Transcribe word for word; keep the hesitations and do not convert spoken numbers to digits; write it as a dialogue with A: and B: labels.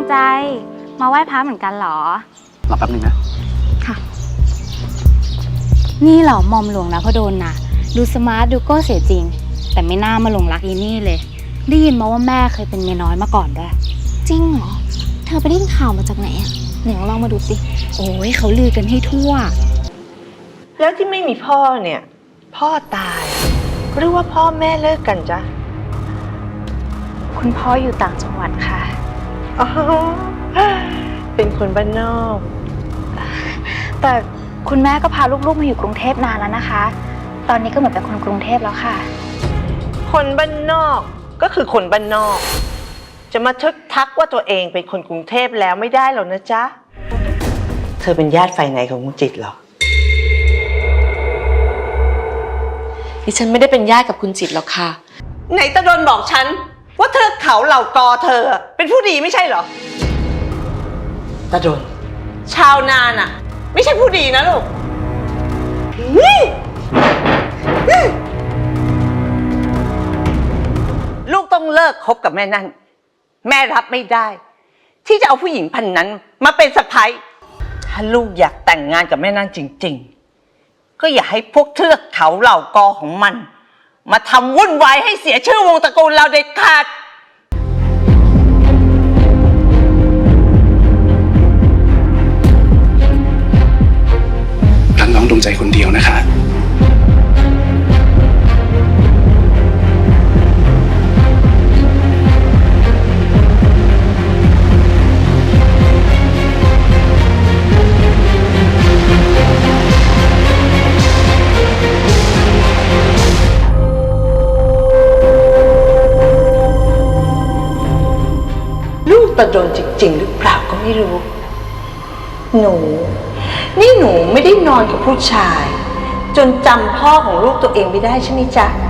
A: ใจมาไหว้พระเหมือนกันเหรอ
B: รอแป๊บนึงนะ
A: ค่ะนี่เหรอมอมหลวงนะพดลนะดูสมาร์ทดูก็เสียจริงแต่ไม่น่ามาหลงรักอีนี่เลยได้ยินมาว่าแม่เคยเป็นเมียน้อยมาก่อนด้วย
C: จริงเหรอเธอไปได้ยินข่าวมาจากไหนอะไหนลองมาดูสิ
A: โอ้ยเขาลือกันให้ทั่ว
D: แล้วที่ไม่มีพ่อเนี่ยพ่อตายหรือว่าพ่อแม่เลิกกันจ๊ะ
A: คุณพ่ออยู่ต่างจังหวัดค่ะ
D: อ๋อเป็นคนบ้านนอก
A: แต่คุณแม่ก็พาลูกๆมาอยู่กรุงเทพนานแล้วนะคะตอนนี้ก็เหมือนเป็นคนกรุงเทพแล้วค่ะ
D: คนบ้านนอกก็คือคนบ้านนอกจะมาทึกทักว่าตัวเองเป็นคนกรุงเทพแล้วไม่ได้หรอกนะจ๊ะเธอเป็นญาติฝ่ายไหนของคุณจิตเหรอ
E: ดิฉันไม่ได้เป็นญาติกับคุณจิตหรอกค่ะ
D: ไหนตะดนบอกฉันว่าเธอเขาเหล่ากอเธอเป็นผู้ดีไม่ใช่เหรอตะดนชาวนาน่ะไม่ใช่ผู้ดีนะลูกลูกต้องเลิกคบกับแม่นั่นแม่รับไม่ได้ที่จะเอาผู้หญิงพันนั้นมาเป็นสะใภ้ถ้าลูกอยากแต่งงานกับแม่นั่นจริงๆก็อย่าให้พวกเทือกเขาเหล่ากอของมันมาทำวุ่นวายให้เสียชื่อวงตระกูลเราเด็ดขาด
B: รักน้องดวงใจคนเดียวนะคะ
D: ลูกตะดนจริงๆหรือเปล่าก็ไม่รู้หนูนี่หนูไม่ได้นอนกับผู้ชายจนจำพ่อของลูกตัวเองไม่ได้ใช่ไหมจ๊ะ